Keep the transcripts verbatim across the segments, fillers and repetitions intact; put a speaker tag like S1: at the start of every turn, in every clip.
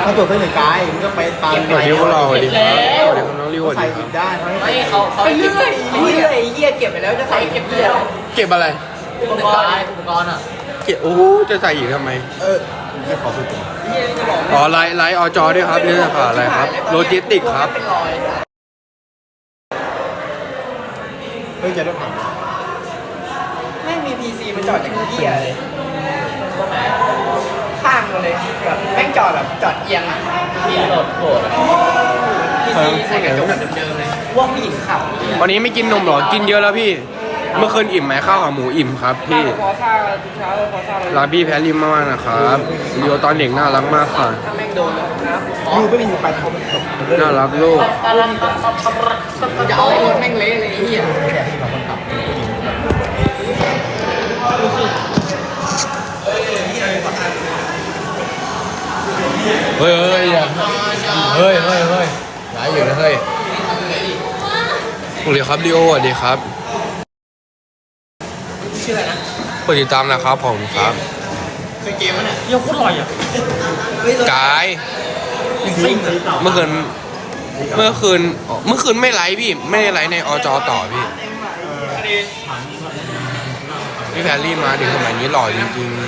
S1: ถ้าตัวเส้นหนึ่งกายมันก็ไปตาม
S2: สวัสดีพวกเราสวัสดีครับสวัสดีครับน้องริวสวัส
S1: ใส่
S2: ดีค
S1: กิ
S2: รับ
S1: นได้
S3: ไม่เขาเขาเก็บเรื่อยเหี้ยเก็บไปแล้วจะใส่เก็บเรื่อย
S2: เก็บอะไร
S3: อุปกรณ์อุปกรณ์อ่ะ
S2: เก็บโอ้โหจะใส่อีกทำไม
S1: เออจะขอพูดถึง
S2: อ๋อไลฟ์ไลฟ์อจอด้วยครับเรื่องข่าวอะไรครับโลจิสติกครับ
S3: เป็นรอย
S1: เพิ่งจะได้ผ่านมา
S3: แม่งมีพีซีมันจอดอย่างเหี้ยเลยข้างมาเลยแบบแม่งจอดแบบจอดเอียงอ่ะพีโหลดโหดพีซีใส่กระจกแบบเดิมๆเลยว่าผู้หญิงขับ
S2: วันนี้ไม่กินนมเหรอกินเยอะแล้วพี่ เมื่อคืนอิ่มไหมข้าวกับหมูอิ่มครับพี่
S3: ฟอซ่าทุกเช้าฟอซ่าเลย
S2: ลาบี้แพรริมมากๆนะครับเรียวตอนเด็กน่ารักมากค่ะ
S3: ถ้าแม่งโดนแล้วนะ
S1: ยูไม่มีไปเขาตก
S2: น่ารักลูก
S3: จะเอาให้รถแม่งเละเลยไอ้เหี้ย
S1: แต่ที่เราคนขับ
S2: เฮ้ยเฮ้ยอย่าเฮ้ยเฮ้ยเฮ้ยย้ายอยู่นะเฮ้ยสวัสดีครับลีโอสวัสดีครับ
S3: ชื่ออะไรนะ
S2: กดติดตามนะครับผมครับ
S1: คือเกมมันเนี่ย
S3: เหี้ยโคตรอร่อยอ่ะ
S2: กายเมื่อคืนเมื่อคืนอ๋อเมื่อคืนไม่ไลฟ์พี่ไม่ได้ไลฟ์ในอจต่อพี่พี่แพรรี่มาถึงสมัยนี้หล่อจริง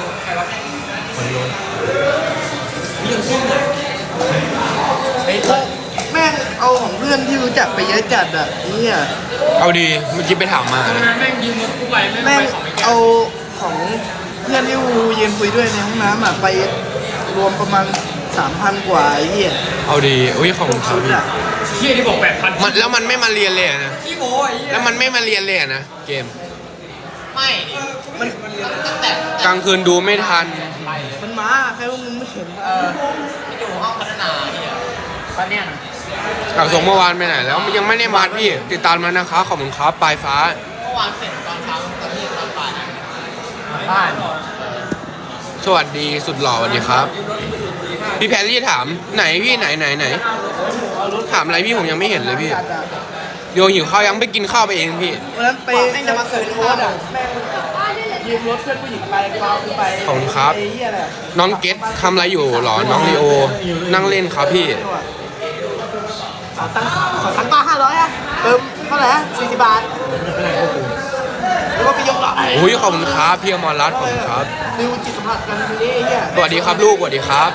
S4: แม่งเอาของเพื่อนที่รู้จักไปเยอะจัดอ่ะเนี่ย
S2: ๆเอาดีเมื่อกี้ไปถามมานะ
S3: แม่งยืมรถกูไปแม่ง
S4: แม่ง
S3: ไปของไอ้แก
S4: เอาของเพื่อนที่วูยืนคุยด้วยในห้องน้ำอ่ะไปรวมประมาณสามพันกว่าไอ้เหี้ย
S2: เอาดีอุ้ยขอบคุณครับ
S4: ชุด
S2: พี่
S4: อ่ะ
S3: เหี้ยที่บอกแปดพัน
S2: มันแล้วมันไม่มาเรียนเลยอะนะ
S3: ขี้โม้ไอ้เหี้ย
S2: แล้วมันไม่มาเรียนเลยอะนะเกม
S3: ไม่ดิมันตั้งแต่
S2: กลางคืนดูไม่ทัน
S4: มันมาใครว่ามึงไม่เห็น
S3: เออที่ดูห้องพัฒนาเนี่ยตอนเนี้ยนะ
S2: หลักส่งเมื่อวานไปไหนแล้วมันยังไม่ได้มาพี่ติดตามมานะคะขอบคุณครับปลายฟ้า
S3: เมื่อวานเสร็จตอนเช้าตอนที่ตอนบ่ายบ้าน
S2: สวัสดีสุดหล่อสวัสดีครับ พี่แพรรี่ถามไหนพี่ไหนไหนไหนถามอะไรพี่ผมยังไม่เห็นเลยพี่
S4: จัดอ่ะ
S2: โยหิวข้าวยังไปกินข้าวไปเองพี่
S4: วันนั้นไป
S3: แม่งจะมาเกิด
S4: โค
S3: ข้าว
S4: ตรอ่ะแม่งยืมรถเพื่อนผู้หญิงไปพาไป
S2: ขอบคุณครับ
S4: ไอ้เหี้ยแหละ
S2: น้องเกตทำอะไรอยู่หรอน้องลีโอนั่งเล่นครับพี่
S4: ขอตังค์ขอตังค์ป้าห้าร้อยอ่ะเติมเท่าไหร่อ่ะสี่สิบบาทแล้วก็ไปยกหลัง
S2: อุ้ยขอบคุณครับพี่อมรรัตน์ขอบคุณครับ
S4: ดิวจิตสัมผัสกันทีนี้ไอ้เหี้ย
S2: สวัสดีครับลูกสวัสดีครับ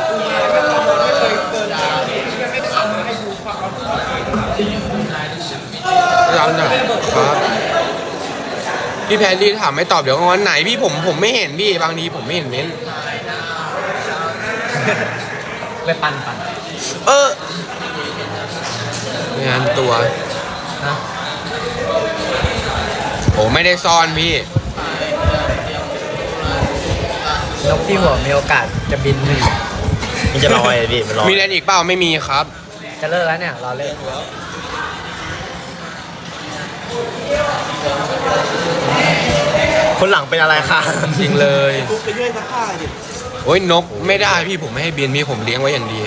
S2: รับหน่อยครับพี่แพรรี่ถามไม่ตอบเดี๋ยววันไหนพี่ผมผมไม่เห็นพี่บางทีผมไม่เห็นเม้น
S3: ไปปั่นปั่น
S2: เออ งานตัว
S3: นะ
S2: โอ้ไม่ได้ซ่อนพี่
S3: นกที่หัวมีโอกาสจะบินหนึ่ง
S5: มันจะลอยอะพี่มันลอย
S2: มีเล่นอีกเปล่าไม่มีครับ
S3: จะเลิกแล้วเนี่ยรอเลิก
S5: คนหลังเป็นอะไรคะ
S2: จริงเลย
S4: กูไปช่วยซักผ้าดิ
S2: โอ้ยนกไม่ได้พี่ผมไม่ให้บินพี่ผมเลี้ยงไว้อย่างดี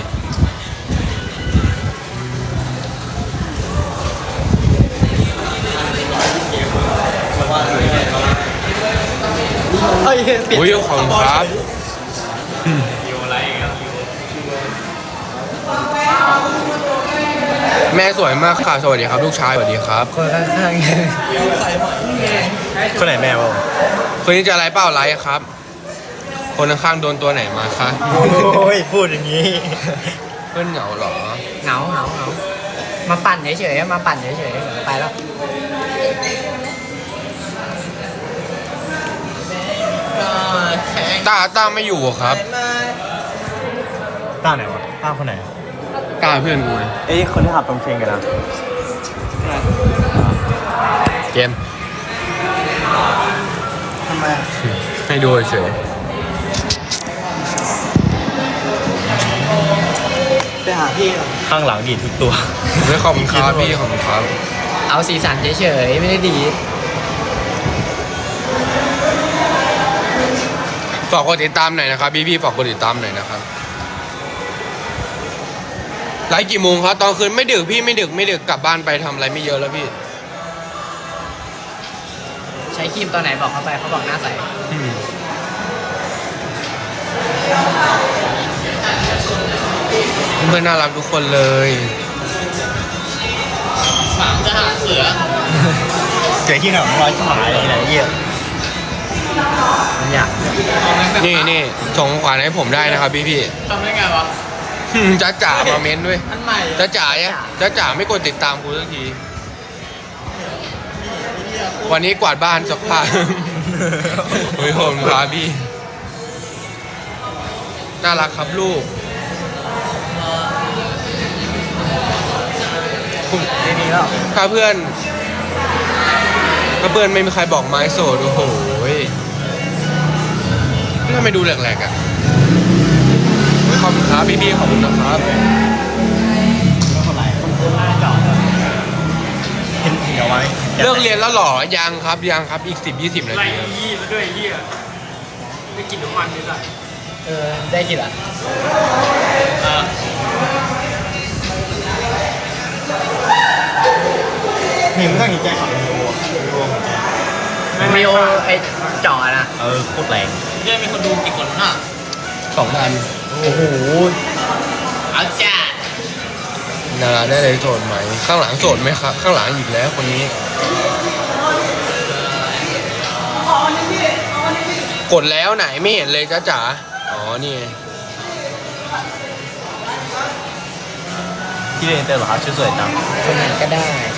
S4: เฮ้ยเปลี่ยน
S2: อุ้ยขอบคุณครับแม่สวยมากค่ะสวัสดีครับลูกชายสวัสดีครับ
S3: คนข้างๆ
S5: คนไหนแม่วะ
S2: คืนนี้จะไลฟ์เปล่าไลฟ์ครับ คนข้างๆโดนตัวไหนมาคะ
S5: โอ้ยพูดอย่างนี้
S2: เพื่อนเหงาเหรอ
S3: เหงาเหงาเหงามาปั่นเฉยๆมาปั่นเฉยๆเดี๋ยวไปแล้ว
S2: ต้าต้าไม่อยู่อะครับ
S5: ต้าไหนวะต้าคนไหน
S2: ต้าเพื่อนกูไง
S5: เอ้ยคนที่ขับตรงเชงกันนะ
S2: เกม
S4: ทำไม
S2: ให้ดูเฉย
S4: ไปหาพี่ก่อน
S5: ข้างหลังดีดทุกตัว
S2: ไม่ขอบคุณครับพี่ขอบคุณครับ
S3: เอาสีสันเฉยๆไม่ได้ดี
S2: ฝากกดติดตามหน่อยนะครับพี่พี่ๆฝากกดติดตามหน่อยนะครับไลฟ์กี่โมงครับตอนคืนไม่ดึกพี่ไม่ดึกไม่ดึกกลับบ้านไปทำอะไรไม่เยอะแล้วพี่
S3: ใช้ครีมตัวไหนบอกเขาไปเขาบอกหน้าใส
S2: อืมเพื่อนๆน่ารักทุกคนเลย
S3: สามจะหาเสือ
S5: เจอที่ไหนร้อยขายอะไรอะไรเงี้ย
S3: อยาก
S2: นี่นี่ส่งของขวัญให้ผมได้นะครับพี่พี่
S3: ทำได้ไงวะ
S2: ๆจ้าจ๋ามาเม้นด้วย
S3: อันใหม่
S2: จ้าจ๋าเนี่ยจ้าจ๋าไม่กดติดตามกูสักที วันนี้กวาดบ้านสักผ้า โอ้ยผมครับพี่ น่ารักครับลูก
S3: ไม่มีแล้ว
S2: ถ้าเพื่อนถ้าเพื่อนไม่มีใครบอกไม้โสดโอ้โหทำไมดูแหลกๆอ่ะโอ้ยขอบคุณครับพี่พี่ๆขอบคุณนะครับ
S5: แล้วคนไรคนหน้าจอดเห็นเหี่ยวไว้
S2: เลิกเรียนแล้วเหรอ ยังครับยังครับอีกสิบยี่สิบนาทีครับ
S4: ยี่แล้วด้วยยี่ได้กินน้ำมันนิดหน่อย
S3: เออได้กี่ละ
S5: นี่มันต้องเห็นใจขับรวมรวม
S3: มีโอไอจ่อนะ
S5: เออโคตรแรง
S3: เรื่องมีคนดูกี่คนน่ะ
S2: สองพัน
S3: โอ้โหเอาจ้า
S2: นาราได้เลยโสดไหม ข้างหลังโสดไหมครับ ข้างหลังอีกแล้วคนนี้ กดแล้วไหนไม่เห็นเลยจ้าจ๋า อ๋อ นี่ไง
S5: ที่เรียนเตอร์เหรอครับชื่อสวยจัง
S3: คนไหนก็ได้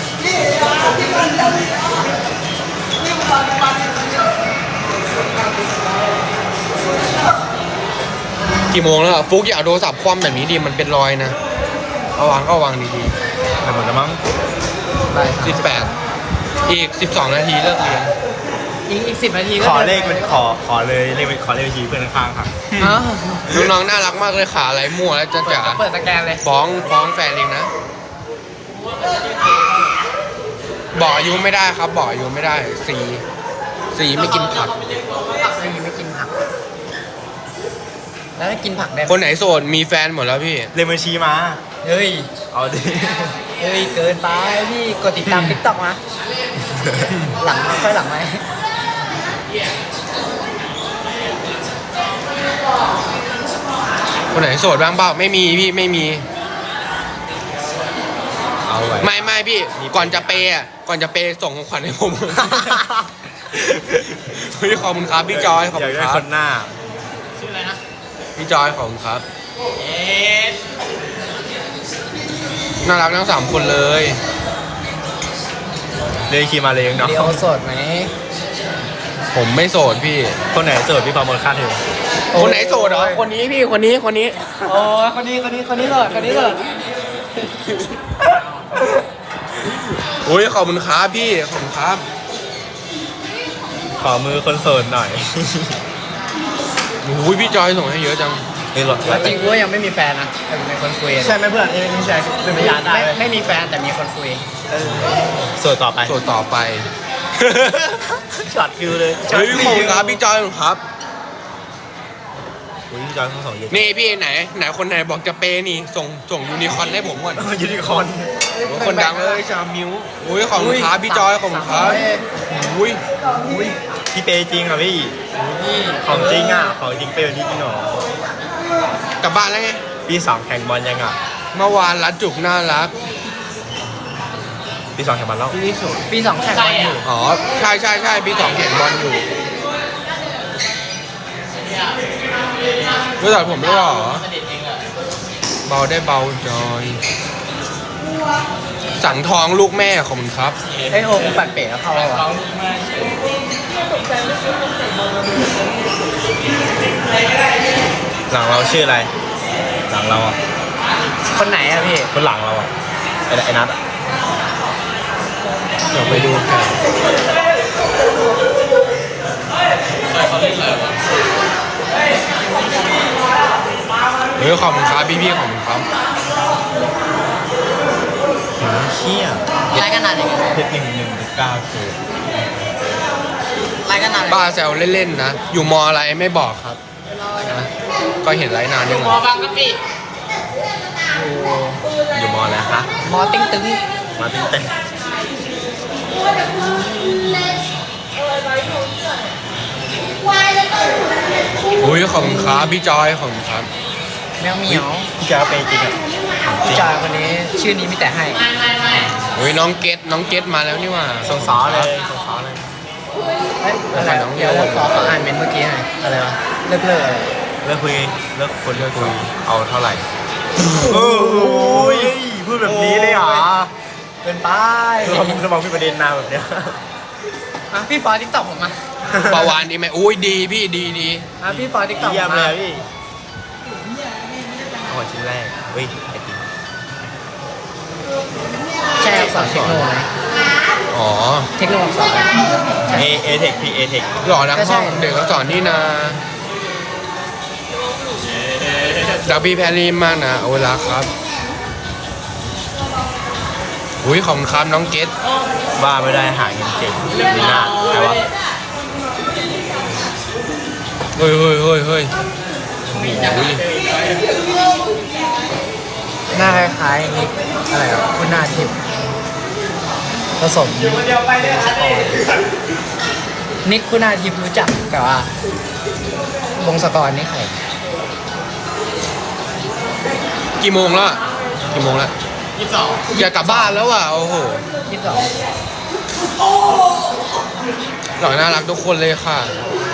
S2: กี่โมงแล้วอะฟุกอย่าเอาโทรศัพท์คว่ำแบบนี้ดิมันเป็นรอยนะ เอาวางก็วางดี
S5: แต่เหมือนกันมั้ง
S3: ได้
S2: ๆสิบแปดอีกสิบสองนาทีเลิกเรียน
S3: อีกอีกสิบนาทีก็
S5: ขอเลขเป็นขอขอเลยเลขเป็นขอเลขบัญชีเพื่อนข้างๆครับ
S3: อ๋อ
S2: น้องๆน่ารักมากเลยขาอะไรมั่วแล้วจ้าจ๋า
S3: เปิดสแกนเลย
S2: ฟ้องฟ้องแฟนเองนะ บอกอายุไม่ได้ครับ บอกอายุไม่ได้ สีสีไม่กินผัก
S3: ไม่ไม่กินผัก แล้วถ้ากินผักได้ไหม
S2: คนไหนโสดมีแฟนหมดแล้วพี่
S5: เลขบัญชีมา
S3: เฮ้ย
S5: เอาดิ
S3: เฮ้ย เกินไปพี่กดติดตามติ๊กต็อกมาหลังค่อยหลังไหม
S2: คนไหนโสดบ้างเปล่าไม่มีพี่ไม่มี
S5: เอาไว้
S2: ไม่ไม่พี่ ก่อนจะเปย์อะก่อนจะเปย์ส่งของขวัญให้ผม พี่ขอบคุณครับพี่จอยขอบ
S5: อยา
S2: คุ
S5: ก
S2: ณ
S5: ได้
S2: ครั
S5: ค
S2: บ
S5: นหน้า
S3: ชื่ออะไรนะ
S2: พี่จอยขอบคุณครับ
S3: เอ๊ะ
S2: น่ารักทั้งสามคนเลย
S5: เลขบัญชีมาเลยเนาะ
S3: เดียวโสดไหม
S2: ผมไม่โสดพี่
S5: คนไหนโสดพี่ประเมินค่าเทอม
S2: คนไหนโสดเหรอคนนี้พี่คนนี้คนนี้
S3: โอ้ยคนนี้คนนี้คนนี้โสดคนนี้โสด
S2: โอ้ยขอบคุณครับพี่ขอบคุณครับ
S5: ขอมือคนโสดหน่อย
S2: โอ้ยพี่จอยส่งให้เยอะจัง
S5: เฮ้ยหลด
S3: จริงๆกูยังไม่มีแฟนนะแต่เป็นคนคุย
S5: ใช่ไหมเพื่อนไม่ใช่เป็นพยานได้
S3: ไม่ไม่มีแฟนแต่มีคนคุย
S5: โสดต่อไป
S2: โสดต่อไป
S5: ช็อตคิวเลย
S2: เฮ้ยขอบคุณครับพี่จอยขอบคุณครับ
S5: อุ้ยพี่จอยทั้งสองเยอะ
S2: นี่พี่ไหนไหนคนไหนบอกจะเปย์นี่ส่งส่งยูนิคอร์นให้ผมก่อน
S5: ยูนิคอร์น
S2: คนดังเลยชามิวอุ้ยขอบคุณครับพี่จอยขอบคุณครับอุ้ย
S5: อุ้ยพี่เปย์จริงอ่ะพี่ของจริงอ่ะของจริงเปย์แบบนี้จริงเหรอก
S2: ลับบ้านแล้วไง
S5: พี่สองแข่งบอลยังอ่ะ
S2: เมื่อวานรัดจุกน่ารัก
S5: พี่สองแข่งบอลแล้ว
S2: พี่นี่สุด
S3: ปีสองแข่งบอลอยู่
S2: อ๋อใช่ใช่ใช่พี่สองแข่งบอลอยู่รู้จักผมด้วยเหรอเบาได้เบาจอย สั่งทองลูกแม่ขอบคุณครับ
S3: เฮ้ยโอ้กูปัดเป๋แล้วเข้าแล้ววะ
S5: หลังเราชื่ออะไร หลังเราอ่ะ
S3: คนไหนอะพี่
S5: คนหลังเราอ่ะไอ้ไอ้นัทอ่ะ
S2: เดี๋ยวไปดูกันเฮ้ยขอบคุณครับพี่พี่ๆขอบคุณครับ
S5: เชี่ย
S3: รายกันนานเลย
S5: เพชรหนึ่งหนึ่งเก้าคือ
S3: รายกันนานเลย
S2: บ้าแซวเล่นๆนะ อยู่มออะไรไม่บอกครับนะก็เห็นไลฟ์นานยังไง
S3: มอบางกะปิ
S5: อยู่มอแล้วฮะ
S3: มอติ้งตึง
S5: มาติ้งเต้น
S2: อุ้ยขอบคุณครับพี่จอยขอบคุณครับ
S3: แมวเหมียว
S5: พี่จอยเป็นจริงอ่ะ
S3: ผู้ชายคนนี้ชื่อนี้มีแต่ให้
S2: โอ้ยน้องเกตน้องเกตมาแล้วนี่หว่า
S5: สงสารเลยสงสารเลย
S3: เอ้ยอะไรเดี๋ยวขอขออ่านเมนต์เมื่อกี้หน่อยอะไรวะเลิกเลิกอะไร
S5: เลิกคุยเลิกคนเลิกคุยเอาเท่าไหร่โอ้ยพูดแบบนี้เลยเหรอ
S3: เกินไป
S5: คือผมจะมองพี่ประเด็นนาแบบเนี้ย
S3: อ่ะพี่ฟอติ๊กต็อกผมมา
S2: ปาวานดีไหมอุ้ยดีพี่ดีดี
S3: อ่ะพี่ฟอติ๊กต็อก
S5: เยี่ยม
S3: มา
S5: เลยพี่เอาชิ้นแรกเฮ้ยไอติม
S3: ใช่อักษรเทคโนไหม
S2: อ๋อ
S3: เทคโนอักษร
S5: เอเอเทคพีเอเทค
S2: หล่อทั้งห้องเด็กก็สอนนี่นะดับบี้แพรรี่มากนะโอลาครับอุ้ยขอบคุณครับน้องเกต
S5: ว่าไม่ได้หาเงินเก่งนี่น่าแต่ว่า
S2: เฮ้ยเฮ้ยเฮ้ยเฮ้ยอุ้ย
S3: หน้าคล้ายๆนิกอะไรวะคุณหน้าทิพย์ผสมนิกคุณหน้าทิพย์รู้จักแต่ว่าวงศกรนี่ใคร
S2: กี่โมงแล้วอะกี่โมงแล้วยี่สิบสองอยากกลับบ้านแล้วอ่ะโอ้โห
S3: ยี่สิบสอง
S2: หล่อน่ารักทุกคนเลยค่ะ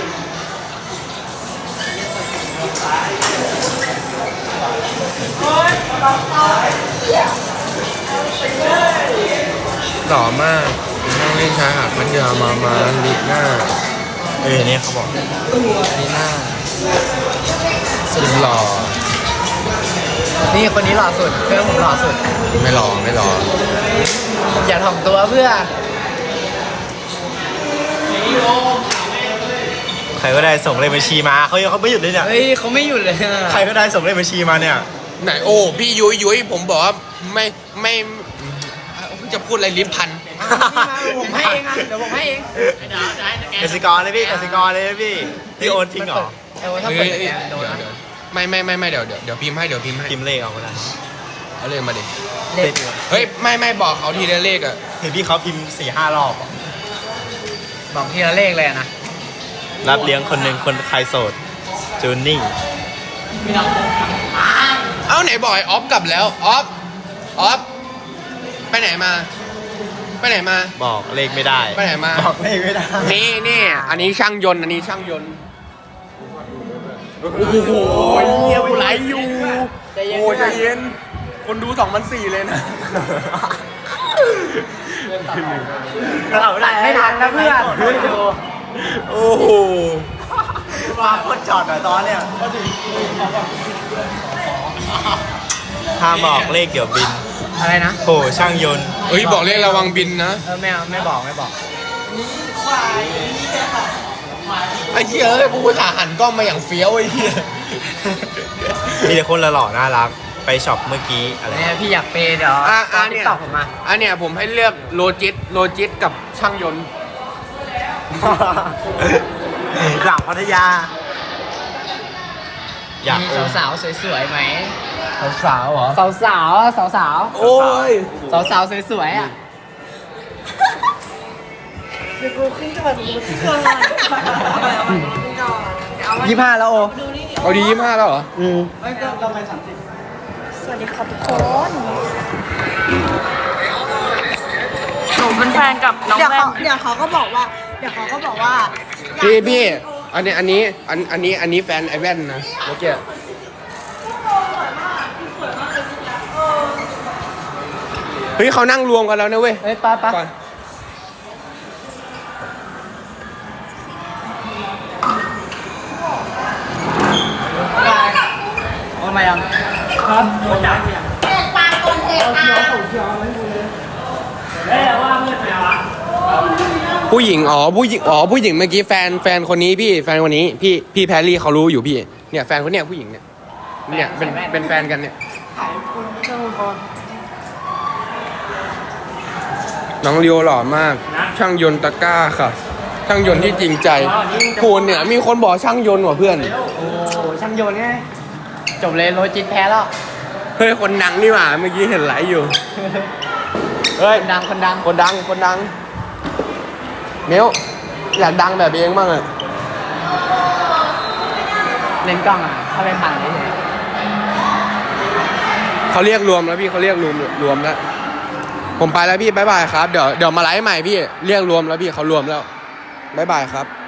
S2: หล่อมากนั่งเล่นชายหาดพัทยามามาลิหน้า
S5: เออเนี่ยเขาบอก
S3: นี่หน้า
S2: สุดหล่อ
S3: นี่คนนี้หล่อสุดเพื่อนผมหล่อสุด
S2: ไม่หล่อไม่หล่อ
S3: อย่าถ่อมตัวเพื่อ
S5: ใครก็ได้ส่งเลขบัญชีมาเขายังเขาไม่หยุดเลยเนี่ย
S3: เฮ้ยเขาไม่หยุดเลยอะ
S5: ใครก็ได้ส่งเลขบัญชีมาเนี่ย
S2: ไหนโอ้พี่ยุ้ยยุ้ยผมบอกว่าไม่ไม่จะพูดอะไรลิ้นพัน
S3: ผมให้เองอ่ะเดี๋ยวผมให้เอง
S5: กสิกรเลยพี่กสิกรเลยพี่พี่โอนทิ้งเหรอ
S3: ไอ้โอ้ถ้า
S2: เฮ้
S3: เปิ
S2: ย
S3: ด
S2: เฮ้ย
S3: แกนโดน
S2: เดี๋ยว
S3: นะ
S2: เดี๋ยวไม่ไม่ไม่ไม่เดี๋ยวเดี๋ยวเดี๋ยวพิมพ์ให้เดี๋ยวพิมพ์ให้
S5: พิมพ์เลขเอาก็ได้
S2: เอาเลยมาดิ
S3: เลข
S2: เฮ้ยไม่ไม่บอกเขาทีละเลขอะ
S5: เห็นพี่เขาพิมพ์สี่ห้ารอบ
S3: บอกทีละเลขเลยอะนะ
S5: รับเลี้ยงคนหนึ่งคนใครโสดจูนนิ่ง
S2: เอ้าไหนบอกไอ้ออฟกลับแล้วออฟออฟไปไหนมา ไปไหนมา
S5: บอกเลขไม่ได้
S2: ไปไหนมา
S5: บอกเลขไม่ได้
S2: นี่นี่อันนี้ช่างยนต์อันนี้ช่างยนต์โอ้โหเงียบไหลอยู่โอ้ยใจเย็นคนดูสองพันสี่เลยนะ
S5: เราได้
S3: ไม่ทันนะเพื่อน
S2: โอ้โห
S5: มาโคตรจอดหน่อยตอนเนี่ยห้ามบอกเลขเดี๋ยวบิน
S3: อะไรนะ
S5: โหช่างยนต์
S2: เฮ้ยบอกเลขระวังบินนะ
S3: เออไม่เอาไม่บอกไม่บอก
S2: ไอ้เหี้ยเอ้ยกูถ่าหันกล้องมาอย่างเฟี้ยวไอ้เหี้ย
S5: มีแต่คนหล่อๆน่ารักไปช็อปเมื่อกี้อะไร
S3: เนี่ยพี่อยากเปย์เดี๋ยว
S2: อ่ะอ่ะ
S3: ติ๊
S2: เนี่
S3: ก
S2: ย
S3: ต็อกผมมา
S2: อันเนี้ยผมให้เลือกโลจิสโลจิสกับช่างยนต์
S5: หลังพัทยา อยาก
S3: มี
S5: โอน
S3: สาวๆสวยๆไหม
S2: สาวเหรอ
S3: สาวสาวสาวสาว
S2: โอ้ย
S3: สาวสาวๆสวยๆอ่ะ
S6: เดี๋ยวกูขึ้นก่อนกูขึ้นก่อนเอาไปเอาไปขึ้นก่อนเดี๋ยวเอาไว้
S3: ยี่ห้าแล้วโอ
S6: ดูนี่เดี๋ยว
S2: เอาดียี่ห้าแล้วเหรอ
S3: อืม
S6: สวัสดีครับทุกคนหนูเป็นแฟนกับน้อง
S7: เดี๋ยว
S6: แว่
S7: เขา
S6: น
S7: เดี๋ยวเขาก็บอกว่า เดี๋ยวเขาก็บอกว่า
S2: พี่พี่อันนี้อันนี้อันอันนี้อันนี้แฟนไอแว่นนะเมื่อกี้เฮ้ยเขานั่งรวมกันแล้วนะเว้ย
S3: เฮ้ยป้าป้า
S2: ก่อน
S3: โอนมายังครับโอนจ่ายยัง
S7: เปิดปากก่อนเถอะอ่ะ
S3: เฮ้ยว่าเพื่อนไหนวะ
S2: ผู้หญิงอ๋อผู้หญิงอ๋อผู้หญิงเมื่อกี้แฟนแฟนคนนี้พี่แฟนคนนี้พี่พี่แพรรี่เขารู้อยู่พี่เนี่ยแฟนคนเนี้ยผู้หญิงเนี่ยเนี่ยเป็นเป็นแฟนกันเนี่ยน้องเลียวหล่อมาก ช่างยนต์ตะกร้าค่ะ ช่างยนต์ที่จริงใจกูเนี่ยมีคนบอกช่างยนต์ว่ะเพื่อน
S3: โอ้ช่างโยนไงจบเลยโลจิตแพ้แล้ว
S2: เฮ้ยคนดังนี่หว่าเมื่อกี้เห็นไหลฟ์อยู่เฮ้ย
S3: คนดังคนดัง
S2: คนดังคนดังเมลอยากดังแบบเองบ้างอะ
S3: เล่นกล้องอ่ะถ้าเป็นผ่านเลย
S2: เขาเรียกรวมแล้วพี่เขาเรียกรวมรวมแล้วผมไปแล้วพี่บ๊ายบายครับเดี๋ยวเดี๋ยวมาไลฟ์ใหม่พี่เรียกรวมแล้วพี่เขารวมแล้วบ๊ายบายครับ